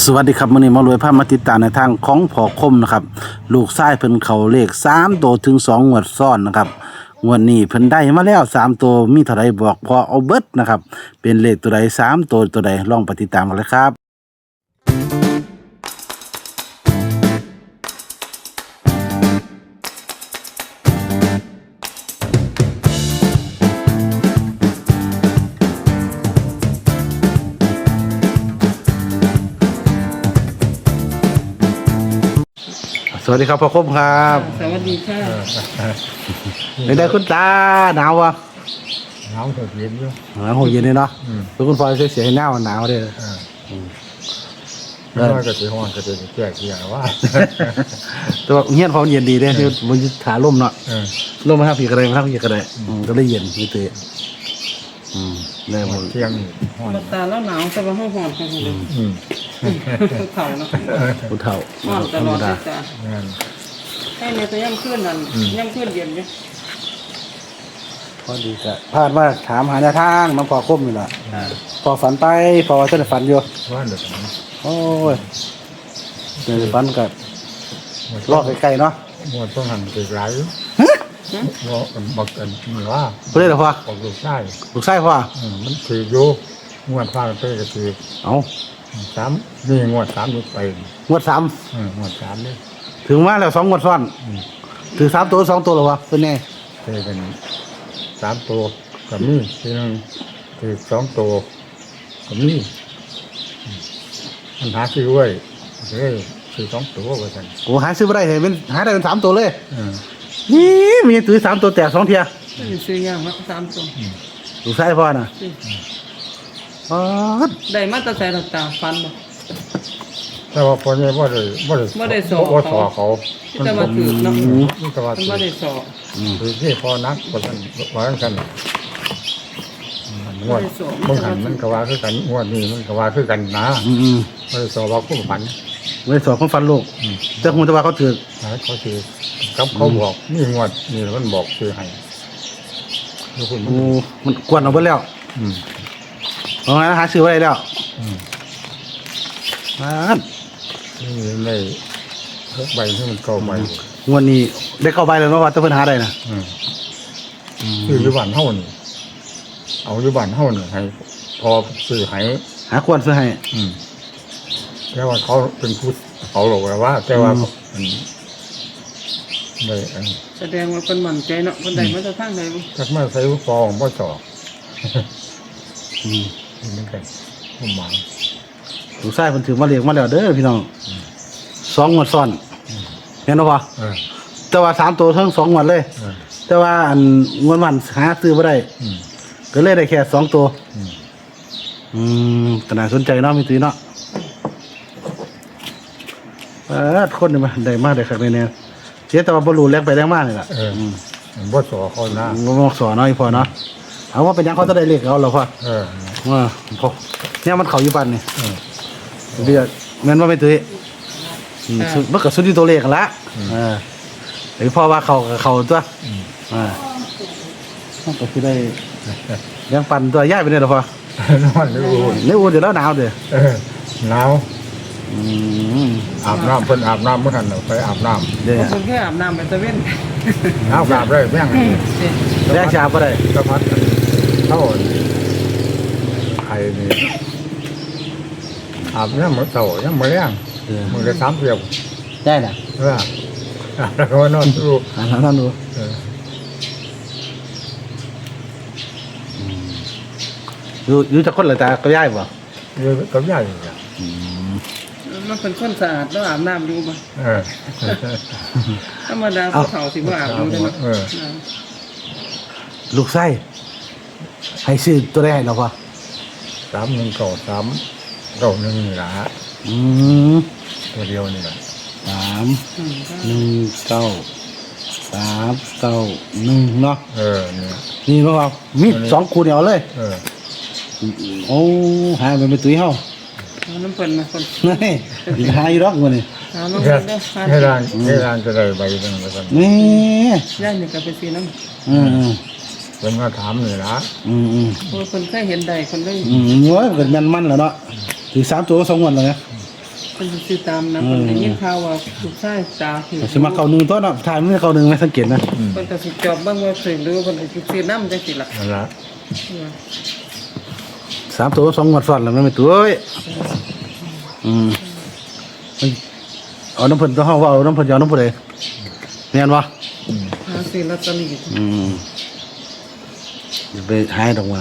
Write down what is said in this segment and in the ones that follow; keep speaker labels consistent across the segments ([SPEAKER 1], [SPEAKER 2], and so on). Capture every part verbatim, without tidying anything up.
[SPEAKER 1] สวัสดีครับมื้อนี้มารวยภาพมาติดตามในทางของพ่อคมนะครับลูกชายเพิ่นเข้าเลขสามตัวถึงสองงวดซ้อนนะครับงวดนี้เพิ่นได้มาแล้วสามตัวมีเท่าใดบอกพอเอาเบิดนะครับเป็นเลขตัวใดสามตัวตัวใดลองไปติดตามกันเลยครับสวัสดีครับพ่อคมครับ
[SPEAKER 2] สวัสดีค่ะ
[SPEAKER 1] เป็นไงคุณตาหนาววะ
[SPEAKER 3] หนาวเย็นอยู่
[SPEAKER 1] หนาวเย็นเลยเนาะแล้วคุณพ่อเสียเสียหนาวหนาวเลย
[SPEAKER 3] ไม่ว่าจะเป็นห้องจะเป็นแจกเกี่ยว่า
[SPEAKER 1] แต่ว่าเงียบพอเย็นดีเลยที่มันขาล่มเนาะล่มมาทางผีกระไรมาทางผีกระไรก็ได้เย็นมีเตะอืมเนี่ยมัน
[SPEAKER 3] เที่ยง
[SPEAKER 2] ห้องตาแล้วหนาวแต่ว่าห้องหอนค่ะคุณอืมเถ่าเนาะ
[SPEAKER 1] คุณเถ่า
[SPEAKER 2] หอนตลอดเลยจ้ะให้ในตัวย่ำขึ้นนั่นย่ำขึ้นเย็นอยู่
[SPEAKER 1] พอดีจ้ะพลาดว่าถามหาแนวทางน้องพอคมอยู่ละพอฝันไปพอจะได้ฝันอยู่
[SPEAKER 3] ว่าเด็ก
[SPEAKER 1] โอ้ยเดี๋ยวฝันกับลอกไกลๆเนาะ
[SPEAKER 3] หมดต้องหันไปไกลว่าบอกกันมันว่า
[SPEAKER 1] เพื่อนหรอพ่อ
[SPEAKER 3] บอกลูกชาย
[SPEAKER 1] ลูกชายพ่อ
[SPEAKER 3] มันถือโย่งวดฟ้าเต้ก็ถือ
[SPEAKER 1] เอา
[SPEAKER 3] สามนี่งวดสามนี่ไป
[SPEAKER 1] งวดสาม
[SPEAKER 3] งวดสามนี่
[SPEAKER 1] ถึงมาแล้วสองงวดซ้อนถือสามตัวสองตัวหรอวะเป็นไง
[SPEAKER 3] เต้เป็นสามตัวกับนี่ทีนึงถือสองตัวกับนี่มันหาซื้อไว้เฮ้ยซื้อสองตัวก็ใช่
[SPEAKER 1] โอ้หาซื้อไม่ได้เห็นเป็นหาได้เป็นสามตัวเลยนี่มีถือสามตัวแตกสองเทีย
[SPEAKER 2] ซื้อย่างละสามตัว
[SPEAKER 1] ลูกชายพ่อน่ะอ๋อ
[SPEAKER 2] ได้มาตะใส่ตาฟันบ่
[SPEAKER 3] แต่ว่าพอเนี่ยว่าได้ว่าได้
[SPEAKER 2] ว่าได้สอ
[SPEAKER 3] ว่าสอเขา
[SPEAKER 2] แต่ว่าถือเนาะ
[SPEAKER 3] แต่ว่า
[SPEAKER 2] ว่าได้สอ
[SPEAKER 3] ถือที่พอนักกว่ากันว่ากันงวดบางหันมันก็ว่าคือกันงวดนี้มันก็ว่าคือกันนะว่าได้สอว่าคู่ฝัน
[SPEAKER 1] ไม่ได้สอบเขาฟันลูกแต่คงจะว่าเขาถือ
[SPEAKER 3] เขาถือกับเขาบอกนี่งวดนี่มันบอกคือให้
[SPEAKER 1] โอ้มันกวนเอาไปแล้วเอาไงหาซื้อไว้แล้วนั่น
[SPEAKER 3] นี่ไม่ใบที่มันเก่าใบ
[SPEAKER 1] งวดนี้ได้เข้าใบแล้วเนาะว่าจะเพิ่นหาได้นะ
[SPEAKER 3] คือยุบันเท่านี่เอายุบันเท่านี่ให้พอซื้อให้
[SPEAKER 1] หาควรซื้อให้
[SPEAKER 3] แต่ว่าเขาเป็นผู้เขาหลอกว่าแต่ว่าไม่
[SPEAKER 2] แสดงว่าเป็นหมั่นใจเนาะคนใดมาจะทั้งใดบ่
[SPEAKER 3] ถ้ามาใส่ฟองบ่จ่ออืมนี่กันผมหมาย
[SPEAKER 1] ลูกชายเพิ่นถือมาเลี้ยงมาแล้วเด้อพี่น้องสองงวดซ้อนเห็นบ่พ่อแต่ว่าสามตัวทั้งสองงวดเลยแต่ว่าอันงวดมันหาซื้อบ่ได้ก็เลยได้แค่สองตัวอืมแต่น่าสนใจเนาะมีตีเนาะเออคนนี่มาได้มากได้คักแน่ๆเสียแต่ว่าบ่รู้แรงไปแรงมานี่ล่ะ
[SPEAKER 3] เออบ่สอเขานะ
[SPEAKER 1] บ่สอน้อยพอเนาะเอาว่าเป็นหยังเขาจะได้เลขเอาเหรอพ่อ
[SPEAKER 3] เออ
[SPEAKER 1] ว่าพอเนี่ยมันเข้าอยู่ปานนี่เดี๋ยวแม่นว่าไม่ตื้อมันก็สุดที่ตัวเลขกันละเออไอ้พ่อว่าเขากับเขาตัวอ่ามันก็คือได้ยังปั่นตัวย่ายไปเลยหรอพ่อน
[SPEAKER 3] อนในอู่
[SPEAKER 1] ในอู่เดี๋ยวแล้วหนาวเดี๋ยว
[SPEAKER 3] หนาวอาบน้ำเพิ่นอาบน้ำเมื่อทันเราไปอาบน้
[SPEAKER 2] ำเดี๋ยวเพิ่นแค่อาบน้ำไปตะเวน
[SPEAKER 3] อาบน้ำเลยแม่ง
[SPEAKER 1] แม่งชาบ่ได้
[SPEAKER 3] กระพัดเท่าไข่นี่อาบน้ำมือเต่ายังมือแรงมือจะสามเพียว
[SPEAKER 1] ได้น่ะ
[SPEAKER 3] เออแล้วก็นอนดู
[SPEAKER 1] นอนดูอยู่อยู่จะคนหรือตาก็ย่ายบ่
[SPEAKER 3] อยู่ก็ย่ายอย่างเงี้ย
[SPEAKER 2] มันเป็นคนสะอาดแล้วอาบน้ำดูบ่
[SPEAKER 3] เออ
[SPEAKER 2] ธรรมดาผู้เฒ่าสิว่าอาบดูได้
[SPEAKER 3] เออ
[SPEAKER 1] ลูกไส้ให้ซื้อตัวได้ให้เราป่ะ
[SPEAKER 3] สามหนึ่งเก่าสามเก่าหนึ่งนี่ละ
[SPEAKER 1] อืม
[SPEAKER 3] ตัวเดียวนี่แหละ
[SPEAKER 1] สามหนึ่งเก้าสามเก้าหนึ่งเนาะ
[SPEAKER 3] เออเนี่ย
[SPEAKER 1] นี่เพราะว่ามีสองคูเดียวเลย
[SPEAKER 3] เออ
[SPEAKER 1] โอ้หาเป็นไปตุ้ยเฮา
[SPEAKER 2] น้ำเปิ่นนะคน
[SPEAKER 1] นี่หาอยู่รอกมันนี่
[SPEAKER 3] ให้ร้านให้ร้านจะได้ใบหนึ่งแล้วกัน
[SPEAKER 1] นี่
[SPEAKER 2] ย่านนี่ก็เป็นสีน้ำ
[SPEAKER 1] อืม
[SPEAKER 3] เป็นมาถามเลยนะ
[SPEAKER 1] อืมอืม
[SPEAKER 2] คนเคยเห็นใดคนได้
[SPEAKER 1] อืมโอ้ยเกิดมันมันแล้วเนาะถือสามตัวสองวันเลยนะ
[SPEAKER 2] เป็นสิตามนะเพิ่นได้ยินข่าวว่าลูกชายตาหิว
[SPEAKER 1] แต่สิมาเก่าหนึ่งตัวเนาะถ่ายมันเก่าหนึ่งไม่สังเกตนะ
[SPEAKER 2] เพิ่นก็สิจอบเบิ่งว่าถึงหรือเพิ่นสิซื้อน้ำจังซี่ล่ะ
[SPEAKER 3] นั่นละ
[SPEAKER 1] สามตัวสองงวดซ้อนแล้วมันไม่ตัวเอ้ยอืมมันเอาน้ำเพิ่นตัวเฮาว่าเอาน้ำเพิ่นจะเอาน้ำเพิ่นเลยแม่นบ่
[SPEAKER 2] หาซื้อลอตเตอรี่
[SPEAKER 1] อืมอย่าไปหายดอกมา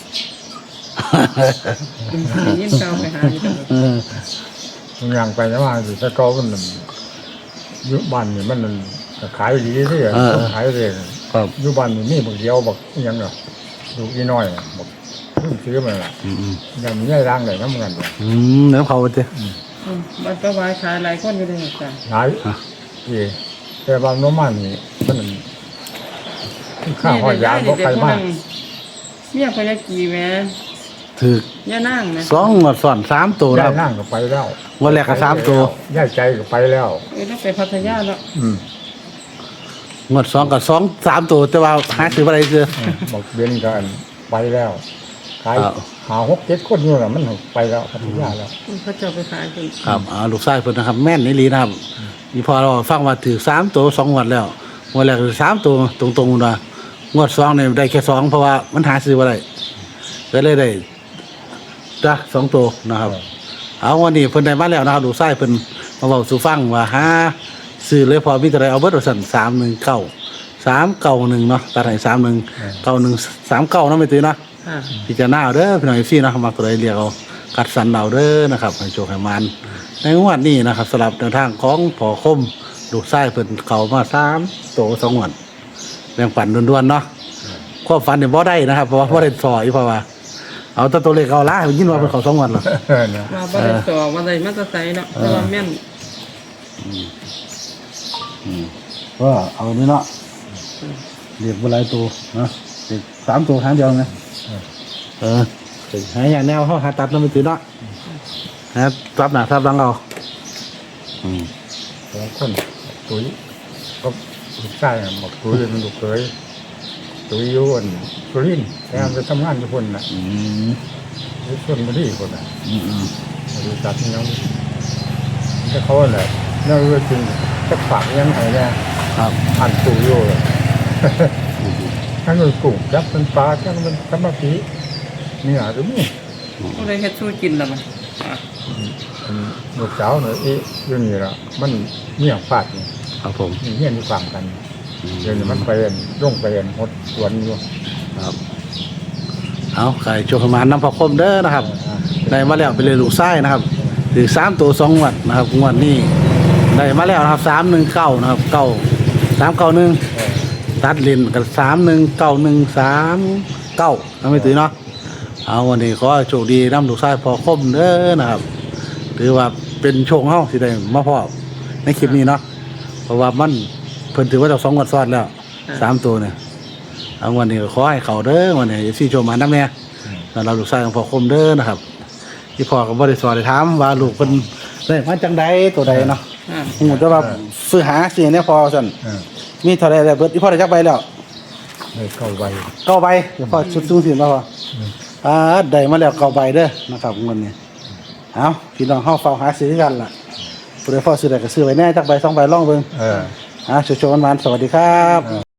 [SPEAKER 2] ได้ยินข่าวไปหาอยู่ตลอด
[SPEAKER 1] เออ
[SPEAKER 3] ทุกอย่างไปนะว่าสิถ้าเก่ามันนั่นอยู่บ้านนี่มันนั่นก็ขายดีที่อ่ะขายเลย
[SPEAKER 1] ครับ
[SPEAKER 3] อยู่บ้านนี่มีบักเดียวบักอิหยังเนาะดูอีน้อยอะบักเพิ่งซื้อมาล่ะ
[SPEAKER 1] อืม
[SPEAKER 3] ยังมีให้ร่างได้นำกันอยู่
[SPEAKER 1] อืมแล้วเขาไปเจ้
[SPEAKER 2] อืมมันก็วายขายหลายคนอยู่เลยจ้ะ
[SPEAKER 3] หลายที่แต่บางโนมันนี่มันนั่นข้าวหอยยางบ่ใครมาก
[SPEAKER 2] เมียพยากีแม่
[SPEAKER 1] ถือย่
[SPEAKER 2] านางนะ
[SPEAKER 1] สองงวดซ้อนสามตัวแล้
[SPEAKER 3] ย่าว นั่งก็ไปแล้ว
[SPEAKER 1] วันแรกก็สามตัว
[SPEAKER 3] ย่าใจก็ไปแล้ว
[SPEAKER 2] เอ้ยแล้วไปพัทยาแล้ว
[SPEAKER 3] อืม
[SPEAKER 1] งวดสองกับสองสามตัวแต่ว่าหาซื้ออะไรคือ
[SPEAKER 3] บอกเบนกันไปแล้วขาย
[SPEAKER 1] ครับ
[SPEAKER 3] หาหกเจ็ดคนอยู่น่ะมันไปแล้วพัทยาแล้ว
[SPEAKER 2] เขาจะเอาไปขายกัน
[SPEAKER 1] ครับอ่าลูกชายเพิ่นนะครับ แม่นนี่ลีนะครับมีพอเราฟังว่าถือสามตัวสองงวดแล้วงวดแรกคือสามตัวตรงๆนะงวดสองเนี่ยได้แค่สองเพราะว่ามันหาซื้ออะไรก็เลยได้จ้ะสองตัวนะครับ เอาวันนี้เพิ่นได้มาแล้วนะครับลูกชายเพิ่นมาบอกสู่ฟังว่าหาซื้อเลยพอมีแต่ได้เอาเบิดว่าสั่นสามหนึ่งเก้าสามเก้าหนึ่งเนาะตัดให้สามหนึ่งเก้าหนึ่งสามเก้าเนาะไม่ตื่นเนาะ
[SPEAKER 2] ค่ะ
[SPEAKER 1] พิจารณาเอาเด้อพี่น้องเอฟซีเนาะมาตัวใดเรียกเอากัดสันเอาเด้อนะครับให้โชคให้มันในงวดนี้นะครับสำหรับแนวทางของผอคมลูกชายเพิ่นเข้ามาสามโตสองงวดแบ่งปันด่วนๆเนาะความฝันเนี่ยบ่ได้นะครับเพราะว่าบ่ได้สอยเพราะว่าเอาแต่ตัวเลขเอาละยินว่าเพิ่นเข้าสองงวดหรอ
[SPEAKER 3] เออนะ
[SPEAKER 2] มาบ่ได้ต่อมาได้มาแตะไสเนาะแต่ว่าแม่น
[SPEAKER 1] ก็เอานี่เนาะเรียกบ่หลายตัวนะเรียกสามตัวครั้งเดียวไงเออหาอย่างแนวเฮาหาตัดนำไปตื่นเนาะฮะตับหน้าทับหลังเอาอืม
[SPEAKER 3] สองคนตุ้ยก็ลูกชายอะบอกตุ้ยมันลูกเคยตุ้ยอยู่อันสุรินทร์แล้วไปทำงานอยู่คนน่ะ
[SPEAKER 1] อืม
[SPEAKER 3] อยู่ชนบุรีคนน่ะ
[SPEAKER 1] อืมอืม
[SPEAKER 3] บริษัทนี่ยังถ้าเขาอะไรนั่นก็จริงจะฝากยังไงเนี่ย
[SPEAKER 1] ครับ
[SPEAKER 3] อ่านตู้อยู่เลย ทั้งเป็นกุ้งจับเป็นปลาทั้งเป็นธรรมปีนี่อาจจะมี
[SPEAKER 2] บ่ได้เฮ็ดสู้กินแล้วมันอ่ะ
[SPEAKER 3] ลูกสาวเนี่ยอีอยู่นี่ละมันเมี่ยงฟาดนี่
[SPEAKER 1] ครับผม
[SPEAKER 3] มีเงี้ยมีความกันเดี๋ยวนี้มันไปเรียนร่งไปเรียนหดสวนอยู่
[SPEAKER 1] ครับเอาไข่โชคมานน้ำพอคมเด้อนะครับได้มาแล้วไปเลยลูกไส้นะครับถือสามตัวสองงวดนะครับงวดนี้ได้มาแล้วนะครับสามหนึ่งเก้านะครับเก้าสามเก้าหนึ่งตัดเลนกันสามหนึ่งเก้าหนึ่งสามเก้าทำไม่ตื่นเนาะเอาวันนี้ขอให้โชคดีน้ำลูกไส้พอคมเด้อนะครับถือว่าเป็นโชคเฮาสิได้มาพอในคลิปนี้เนาะเพราะว่ามันเพิ่นถือว่าจะสองงวดซ้อนแล้วสามตัวเนี่ย เอาวันนี้ก็ขอให้เขาเด้อวันนี้ซี่โชว์มาน้ำแน่แล้วเราลูกชายของพ่อคมเด้อนะครับที่พ่อก็บ่ได้สอนได้ถามว่าลูกเพิ่นได้มาจังใดตัวใดเนาะ
[SPEAKER 2] อ่ะ
[SPEAKER 1] ฮู้แต่ว่าซื้อหาซื้อเนี่ยพอซั่น
[SPEAKER 3] เออ
[SPEAKER 1] มีเท่าใดแล้วเบิดที่พ่อได้จักใบแล้ว
[SPEAKER 3] ได้เข้าไป
[SPEAKER 1] เก้าใบเดี๋ยวพ่อชุดสูงสิบ่พ่ออ่าได้มาแล้วเก้าใบเด้อนะครับงวดนี้เอาพี่น้องเฮาเฝ้าหาซื้อกันล่ะผู้ใดพอซื้อได้ก็ซื้อไว้แน่จักใบสองใบลองเบิ่ง
[SPEAKER 3] เออ
[SPEAKER 1] อ่าโชว์ๆหวานๆสวัสดีครับ